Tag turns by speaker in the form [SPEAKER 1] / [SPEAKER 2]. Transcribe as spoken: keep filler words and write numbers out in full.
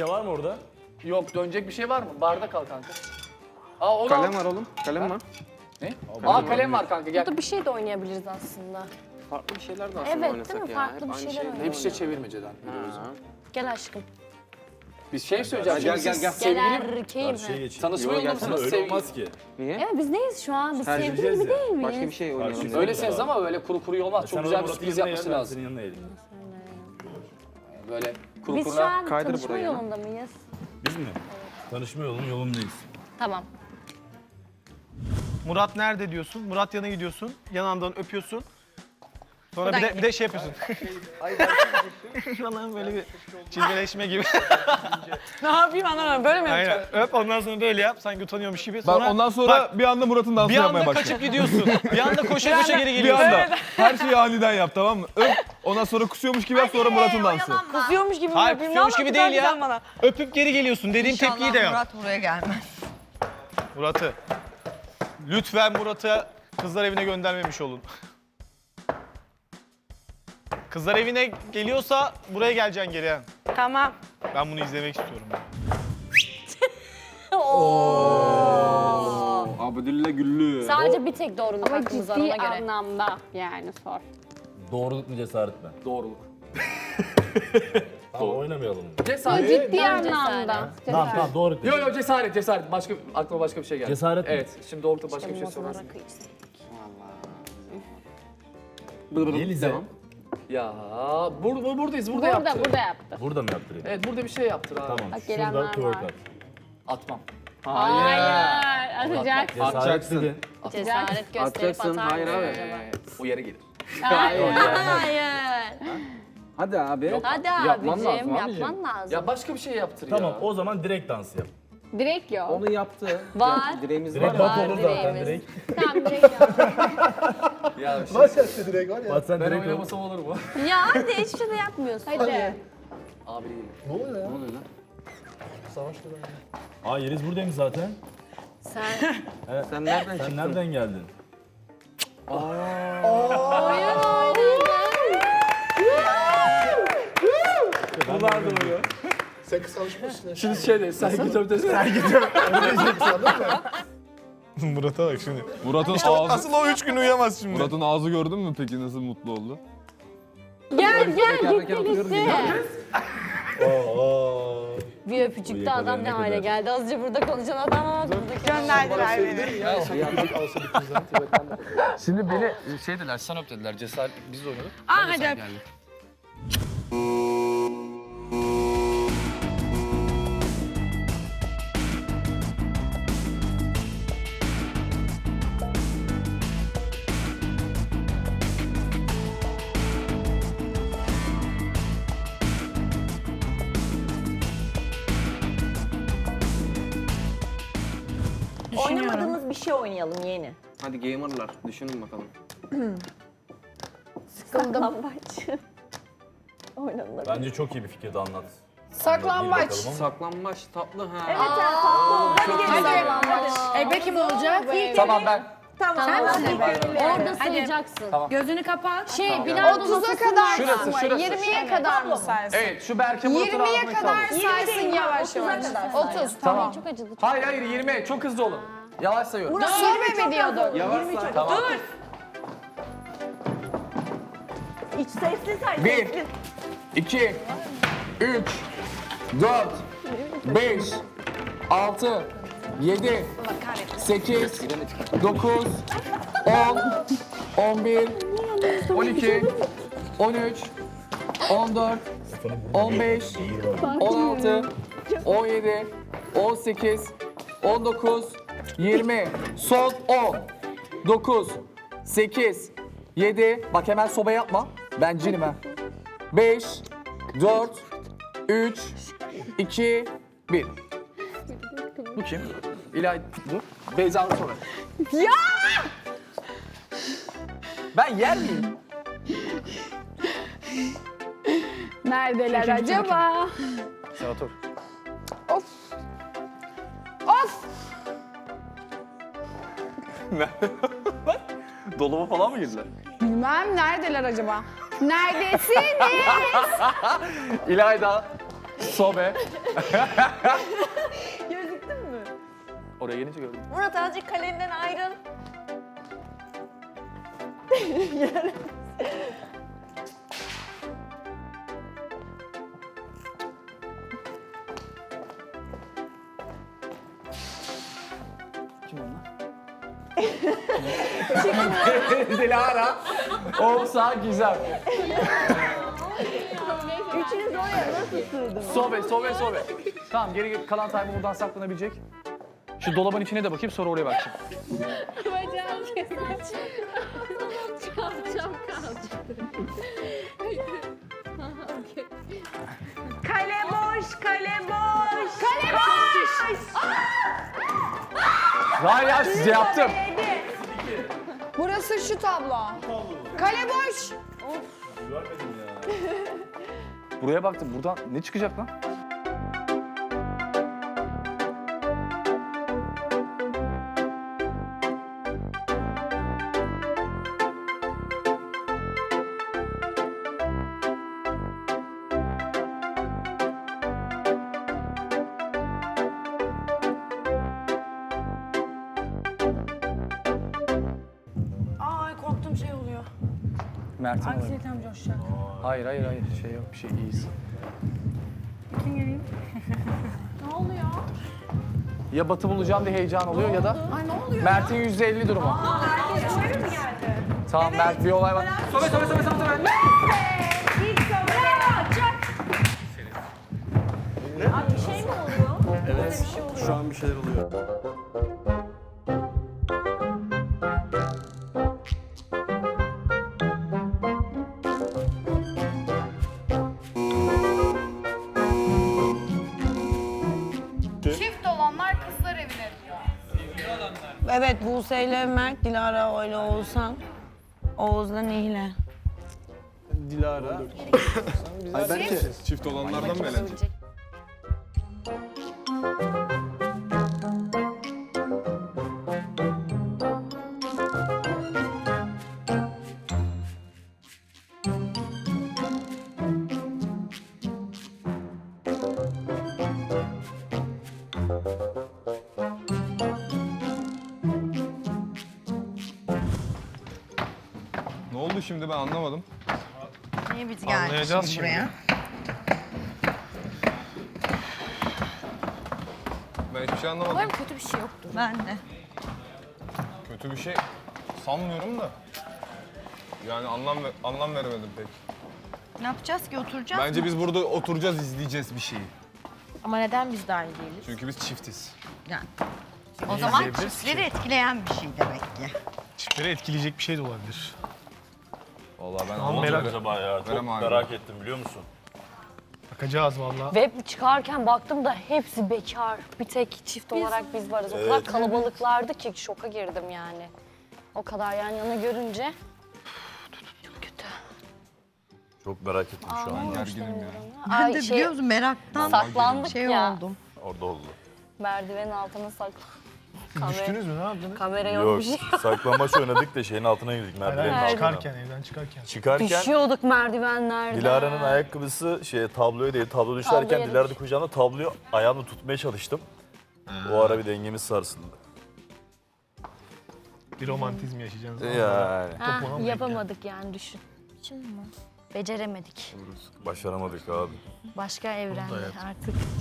[SPEAKER 1] şey var mı orada?
[SPEAKER 2] Yok, dönecek bir şey var mı? Barda kal kanka. Aa, onu
[SPEAKER 3] Kalem
[SPEAKER 2] al.
[SPEAKER 3] var oğlum. Kalem var.
[SPEAKER 2] Ne? Aa, kalem var kanka, gel.
[SPEAKER 4] Burada bir şey de oynayabiliriz aslında.
[SPEAKER 3] Farklı bir şeyler de aslında
[SPEAKER 4] Evet,
[SPEAKER 3] oynasak
[SPEAKER 4] değil mi?
[SPEAKER 3] ya.
[SPEAKER 4] Farklı
[SPEAKER 3] Hep
[SPEAKER 4] bir
[SPEAKER 3] aynı
[SPEAKER 4] şeyler
[SPEAKER 3] şey
[SPEAKER 4] oynayalım.
[SPEAKER 2] Hep şey çevirmeceden.
[SPEAKER 3] Ha.
[SPEAKER 4] Gel aşkım.
[SPEAKER 2] Biz şey söyleyeceğiz.
[SPEAKER 3] Gel,
[SPEAKER 2] şimdi
[SPEAKER 3] gel,
[SPEAKER 2] siz
[SPEAKER 3] gel.
[SPEAKER 4] Gel
[SPEAKER 2] Sevgili
[SPEAKER 4] erkeğim.
[SPEAKER 1] Karşıya geçin.
[SPEAKER 2] tanışma
[SPEAKER 3] Yok,
[SPEAKER 2] yolunda
[SPEAKER 3] gelsene,
[SPEAKER 2] mısınız?
[SPEAKER 1] Öyle
[SPEAKER 2] Sevgili.
[SPEAKER 1] olmaz ki.
[SPEAKER 3] Niye?
[SPEAKER 4] Evet biz neyiz şu an? Biz sevgili
[SPEAKER 1] Terciheceğiz
[SPEAKER 4] gibi
[SPEAKER 1] ya.
[SPEAKER 4] değil miyiz?
[SPEAKER 3] Başka bir şey oynayalım.
[SPEAKER 1] Karşı-
[SPEAKER 3] dedim.
[SPEAKER 2] Öylesiniz ama böyle kuru kuru olmaz. Çok
[SPEAKER 1] Sen
[SPEAKER 2] güzel bir
[SPEAKER 1] Murat'ın
[SPEAKER 2] sürpriz
[SPEAKER 1] yanına
[SPEAKER 2] yapması
[SPEAKER 1] gel, ben
[SPEAKER 2] lazım.
[SPEAKER 1] senin yanına eğilim.
[SPEAKER 2] Böyle kuru
[SPEAKER 4] Biz şu
[SPEAKER 2] kuruna.
[SPEAKER 4] an
[SPEAKER 3] Kaydır
[SPEAKER 4] tanışma
[SPEAKER 3] buraya.
[SPEAKER 4] yolunda mıyız?
[SPEAKER 1] Biz mi? Tanışma yolunun yolundayız.
[SPEAKER 4] Tamam.
[SPEAKER 5] Murat nerede diyorsun? Murat yana gidiyorsun. Yanağından öpüyorsun. Sonra bir de, bir de şey yapıyorsun. Falan böyle bir çizgileşme gibi.
[SPEAKER 6] Ne yapayım anlamadım. Böyle mi yapacağım?
[SPEAKER 5] Aynen. Öp ondan sonra böyle yap. Sanki utanıyormuş gibi.
[SPEAKER 7] Ben
[SPEAKER 5] Sonra
[SPEAKER 7] ondan sonra bir anda Murat'ın dansını
[SPEAKER 5] bir
[SPEAKER 7] yapmaya
[SPEAKER 5] anda
[SPEAKER 7] başladım.
[SPEAKER 5] kaçıp gidiyorsun. Bir anda koşa koşa geri
[SPEAKER 7] Bir
[SPEAKER 5] geliyorsun.
[SPEAKER 7] anda. Her şeyi aniden yap, tamam mı? Öp, ondan sonra kusuyormuş gibi yap, sonra Murat'ın dansı.
[SPEAKER 6] Kusuyormuş gibi mi
[SPEAKER 5] Hayır,
[SPEAKER 6] yapayım?
[SPEAKER 5] kusuyormuş
[SPEAKER 6] Ne
[SPEAKER 5] gibi
[SPEAKER 6] yapacağım
[SPEAKER 5] değil ya.
[SPEAKER 6] sen bana?
[SPEAKER 5] Öpüp geri geliyorsun. Dediğim tepkiyi de yap.
[SPEAKER 8] Murat buraya gelmez.
[SPEAKER 5] Murat'ı. Lütfen Murat'ı kızlar evine göndermemiş olun. Kızlar evine geliyorsa buraya geleceksin geri. ha.
[SPEAKER 6] Tamam.
[SPEAKER 5] Ben bunu izlemek istiyorum.
[SPEAKER 3] Abdülle Güllü.
[SPEAKER 4] Sadece bir tek doğruluk
[SPEAKER 9] Ama
[SPEAKER 4] hakkımız var ona
[SPEAKER 9] ciddi
[SPEAKER 4] göre.
[SPEAKER 9] anlamda yani sor.
[SPEAKER 1] Doğruluk mu cesaret mi?
[SPEAKER 2] Doğruluk.
[SPEAKER 1] Tamam oynamayalım.
[SPEAKER 2] Cesaret.
[SPEAKER 9] Ciddi
[SPEAKER 4] Ben
[SPEAKER 9] anlamda.
[SPEAKER 1] Tamam tamam doğru.
[SPEAKER 2] Yok yok, cesaret cesaret. Başka aklıma başka bir şey geldi.
[SPEAKER 1] Cesaret mi?
[SPEAKER 2] Evet. Şimdi doğrultuda başka bir şey
[SPEAKER 4] Masalara
[SPEAKER 2] sorarsan.
[SPEAKER 4] kıyısı.
[SPEAKER 1] Yelize.
[SPEAKER 3] Devam.
[SPEAKER 2] Ya bur bur buradayız. Burada,
[SPEAKER 9] Burada,
[SPEAKER 2] yaptı.
[SPEAKER 9] burada yaptı.
[SPEAKER 1] Burada mı yaptırayım?
[SPEAKER 2] Evet, burada bir şey yaptır abi.
[SPEAKER 1] Tamam.
[SPEAKER 9] Bak, gelenler
[SPEAKER 1] Şurada twerk
[SPEAKER 9] var.
[SPEAKER 1] at.
[SPEAKER 2] Atmam.
[SPEAKER 9] Hayır. Atacak.
[SPEAKER 1] Cesaret
[SPEAKER 3] Atacaksın.
[SPEAKER 1] dedin.
[SPEAKER 4] Cesaret gösterip
[SPEAKER 3] Atacaksın,
[SPEAKER 4] atar
[SPEAKER 3] hayır
[SPEAKER 4] mı
[SPEAKER 3] abi.
[SPEAKER 4] acaba?
[SPEAKER 2] Ee, o yere gelir.
[SPEAKER 4] Hayır.
[SPEAKER 3] Hadi abi.
[SPEAKER 4] Hadi
[SPEAKER 3] Yapman
[SPEAKER 4] abicim,
[SPEAKER 3] lazım abicim.
[SPEAKER 4] yapman lazım.
[SPEAKER 2] Ya başka bir şey yaptır ya.
[SPEAKER 1] Tamam o zaman direkt dans yap.
[SPEAKER 9] Direkt yok.
[SPEAKER 3] Onu yaptı.
[SPEAKER 4] Var.
[SPEAKER 3] Ya, direğimiz
[SPEAKER 1] Direkt
[SPEAKER 3] var.
[SPEAKER 1] bat
[SPEAKER 4] Var
[SPEAKER 1] olur zaten
[SPEAKER 4] direğimiz.
[SPEAKER 1] direkt.
[SPEAKER 9] Tamam direkt yok.
[SPEAKER 2] Ya bir şey.
[SPEAKER 1] Bat sen
[SPEAKER 2] Ben
[SPEAKER 1] direkt ol.
[SPEAKER 2] oynamasam olur mu?
[SPEAKER 4] Ya hadi hiçbir şey de yapmıyorsun.
[SPEAKER 9] Hadi.
[SPEAKER 2] Abi değil.
[SPEAKER 3] Ne oluyor lan?
[SPEAKER 1] Aa Yeliz buradaymış zaten.
[SPEAKER 4] Sen
[SPEAKER 3] Sen nereden
[SPEAKER 1] Sen
[SPEAKER 3] çıktın?
[SPEAKER 1] nereden geldin?
[SPEAKER 2] Bunlar da oluyor.
[SPEAKER 7] Sen kısalışmışsın.
[SPEAKER 2] Şimdi şey de sergi tömtesi.
[SPEAKER 5] Murat'a bak şimdi.
[SPEAKER 7] Murat'ın ağzı,
[SPEAKER 5] Asıl o üç gün uyuyamaz şimdi.
[SPEAKER 7] Murat'ın ağzı gördün mü peki nasıl mutlu oldu?
[SPEAKER 9] Gel gel
[SPEAKER 3] Teker teker
[SPEAKER 9] gitti
[SPEAKER 3] oturuyoruz
[SPEAKER 9] gitti.
[SPEAKER 4] bir öpücükte adam ne hale geldi. Azıcık burada konuşan adam ama buradaki
[SPEAKER 6] Gönderdiler beni.
[SPEAKER 2] Şimdi beni şey dediler, sen öp dediler. Cesaret biz de oynadık.
[SPEAKER 6] Aa,
[SPEAKER 2] Ben de
[SPEAKER 6] hadi
[SPEAKER 2] sen
[SPEAKER 6] öp.
[SPEAKER 2] geldin.
[SPEAKER 4] oynamadığımız bir şey oynayalım yeni.
[SPEAKER 3] Hadi gamerlar. Düşünün bakalım.
[SPEAKER 4] Saklambaç. Oynanılır.
[SPEAKER 1] Bence çok iyi bir fikirdi anlat.
[SPEAKER 9] Saklambaç.
[SPEAKER 1] Anlat, iyi bakalım
[SPEAKER 3] Saklambaç tatlı ha.
[SPEAKER 4] Evet ya tatlı. Hadi gelin saklambaç.
[SPEAKER 6] Ebe kim olacak?
[SPEAKER 2] Tamam ben.
[SPEAKER 4] Tamam.
[SPEAKER 9] Sen misin?
[SPEAKER 4] Orada sayacaksın.
[SPEAKER 6] Gözünü kapat.
[SPEAKER 9] Şey bilardo
[SPEAKER 6] otuza kadar
[SPEAKER 2] Şurası,
[SPEAKER 6] mı?
[SPEAKER 2] şurası.
[SPEAKER 6] yirmiye kadar mı saysın?
[SPEAKER 2] Evet, şu Berke Murat'ın
[SPEAKER 6] yirmiye
[SPEAKER 2] ağzına
[SPEAKER 6] kadar
[SPEAKER 2] kaldı.
[SPEAKER 6] saysın yavaş yavaş. otuz.
[SPEAKER 2] Tamam.
[SPEAKER 4] Çok acıdı.
[SPEAKER 2] Hayır hayır, yirmi. Çok hızlı olun. Yavaş sayıyorum.
[SPEAKER 6] Sonra mi diyorduk?
[SPEAKER 3] Yavaş say.
[SPEAKER 2] Tamam.
[SPEAKER 4] İç sesli say.
[SPEAKER 2] Bir, iki, üç, dört, beş, altı, yedi, sekiz, dokuz, on, on bir, on iki, on üç, on dört, on beş, on altı, on yedi, on sekiz, on dokuz, yirmi, son on, dokuz, sekiz, yedi, bak hemen soba yapma, ben cinim ha. beş, dört, üç, iki, bir. Bu kim? İlay, dur. Beyza'nın sonra. Ya! Ben yer miyim?
[SPEAKER 9] Neredeler acaba?
[SPEAKER 2] Sen otur.
[SPEAKER 9] Of. Of.
[SPEAKER 2] Dolaba falan mı girdiler?
[SPEAKER 9] Bilmem neredeler acaba? Neredesiniz?
[SPEAKER 2] İlayda. Sobe. Gözüktün mü? Oraya gelince gördüm.
[SPEAKER 4] Murat azıcık kalenden ayrıl.
[SPEAKER 2] Kim onlar? Dilara. Olsa güzel.
[SPEAKER 4] Üçünüz oraya nasıl sığdınız?
[SPEAKER 2] Sobe, sobe, sobe. Tamam geri kalan time buradan saklanabilecek. Şu dolabın içine de bakayım sonra oraya bakacağım.
[SPEAKER 4] Kalacağım kalacağım.
[SPEAKER 6] Kale boş, kale boş. Kale boş.
[SPEAKER 2] Hayır ya size yaptım.
[SPEAKER 9] Burası şu tablo. Kale boş.
[SPEAKER 2] Buraya baktım. Buradan ne çıkacak lan?
[SPEAKER 6] Ay korktum şey oluyor.
[SPEAKER 2] Mert'in olabilir.
[SPEAKER 6] Anksiyetem coşacak.
[SPEAKER 2] Hayır hayır hayır. Şey yok bir şey iyiyiz.
[SPEAKER 6] Ne oluyor?
[SPEAKER 2] Ya Batı bulacağım diye heyecan oluyor ya da
[SPEAKER 6] Ay ne oluyor?
[SPEAKER 2] Mert'in yüzde elli durumu.
[SPEAKER 6] Herkes şöyle mi geldi?
[SPEAKER 2] Tamam Mert bir olay var. Sobe sobe sobe sobe sobe.
[SPEAKER 6] İlk soruya çak.
[SPEAKER 4] Abi bir şey mi oluyor?
[SPEAKER 1] Evet. Şu an bir şeyler oluyor.
[SPEAKER 6] Çift olanlar kızlar evine diyor.
[SPEAKER 8] Evet Buse ile Mert, Dilara ile Oğuzhan. Oğuz'la Nihle.
[SPEAKER 5] Dilara.
[SPEAKER 7] Çift olanlardan mı eğlenecek? Ne oldu şimdi ben anlamadım.
[SPEAKER 8] Niye biz
[SPEAKER 5] Anlayacağız
[SPEAKER 8] geldik buraya?
[SPEAKER 7] Ben hiçbir şey anlamadım.
[SPEAKER 4] Umarım kötü bir şey yoktur.
[SPEAKER 8] Ben de.
[SPEAKER 7] Kötü bir şey sanmıyorum da. Yani anlam ve- anlam veremedim pek.
[SPEAKER 8] Ne yapacağız ki oturacağız
[SPEAKER 7] Bence
[SPEAKER 8] mı?
[SPEAKER 7] biz burada oturacağız, izleyeceğiz bir şeyi.
[SPEAKER 4] Ama neden biz dahil değiliz?
[SPEAKER 7] Çünkü biz çiftiz.
[SPEAKER 8] Yani. O zaman çiftleri etkileyen bir şey demek ki.
[SPEAKER 5] Çiftleri etkileyecek bir şey de olabilir.
[SPEAKER 7] Vallahi ben
[SPEAKER 5] Tamam,
[SPEAKER 7] anlamadım.
[SPEAKER 5] merak-
[SPEAKER 1] Acaba ya çok
[SPEAKER 7] Verem abi.
[SPEAKER 1] merak ettim biliyor musun?
[SPEAKER 5] Bakacağız valla.
[SPEAKER 4] Ve çıkarken baktım da hepsi bekar. Bir tek çift olarak biz varız. O kadar
[SPEAKER 1] Evet.
[SPEAKER 4] kalabalıklardı ki şoka girdim yani. O kadar yan yana görünce. Çok kötü.
[SPEAKER 1] Çok merak ettim şu an.
[SPEAKER 7] Gerginim ya.
[SPEAKER 8] Ben
[SPEAKER 4] Ay
[SPEAKER 8] de
[SPEAKER 4] şey,
[SPEAKER 8] biliyor musun meraktan
[SPEAKER 4] saklandık
[SPEAKER 8] şey
[SPEAKER 4] ya.
[SPEAKER 8] oldum.
[SPEAKER 1] Orada oldu.
[SPEAKER 4] Merdivenin altına saklandık.
[SPEAKER 5] Düştünüz mü ne yaptınız?
[SPEAKER 4] Kamera yok,
[SPEAKER 1] Yok
[SPEAKER 4] bir şey.
[SPEAKER 1] saklambaç oynadık da şeyin altına girdik merdivenin
[SPEAKER 5] Hayır,
[SPEAKER 1] altına.
[SPEAKER 5] çıkarken evden çıkarken.
[SPEAKER 1] Çıkarken
[SPEAKER 4] Düşüyorduk merdivenlerden.
[SPEAKER 1] Dilara'nın ayakkabısı şey tabloya değil tablo düşerken
[SPEAKER 4] Tabloya
[SPEAKER 1] Dilara da
[SPEAKER 4] düştü.
[SPEAKER 1] kucağında tabloyu ayağımla tutmaya çalıştım. O ara bir dengemiz sarsıldı.
[SPEAKER 5] Bir romantizm yaşayacaksınız.
[SPEAKER 1] Yani
[SPEAKER 4] Ha,
[SPEAKER 5] Topuğuna mı
[SPEAKER 4] yapamadık yani düşün. Şimdi mi? Beceremedik.
[SPEAKER 1] başaramadık abi.
[SPEAKER 4] Başka evrende artık.